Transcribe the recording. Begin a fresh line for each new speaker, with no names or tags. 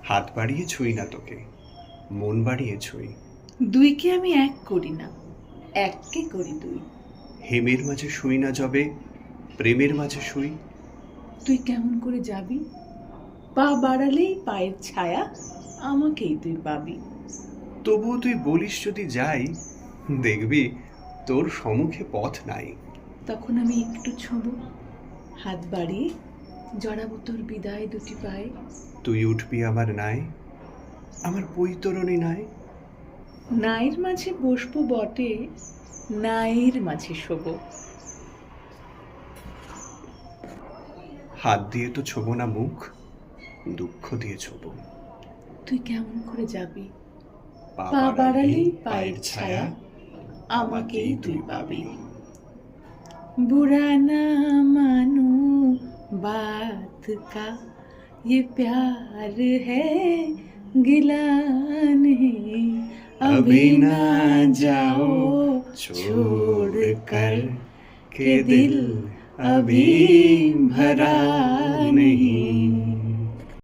হাত বাড়িয়ে ছুঁই না তোকে, মন বাড়িয়ে ছুঁই।
দুইকে আমি এক করি না, এককে করি দুই।
হেমের মাঝে শুই না যবে, প্রেমের মাঝে শুই।
তুই কেমন করে যাবি? পা বাড়ালেই পায়ের ছায়া, আমাকেই তুই পাবি।
তবুও তুই বলিস যদি যাই, দেখবি তোর সম্মুখে পথ নাই।
তখন আমি একটু ছোঁবো, হাত বাড়িয়ে জড়াবো তোর বিদায় দুটি পায়ে।
তুই উঠবি আমার নাই, আমার বৈতরণী নাই।
নাইয়ের মাঝে বসবো বটে, নাইয়ের মাঝে শোবো।
হাত দিয়ে তো ছোবো না মুখ, দুঃখ দিয়ে ছোবো।
তুই কেমন করে যাবি?
পা
পা
বাড়ালেই
বাড়ালেই
পায়ের
পায়ের
ছায়া,
ছায়া, আমাকেই তুই পাবি। बुरा ना मानो बात का, ये प्यार है गिला नहीं।
अभी ना जाओ छोड़ कर, के दिल अभी भरा नहीं।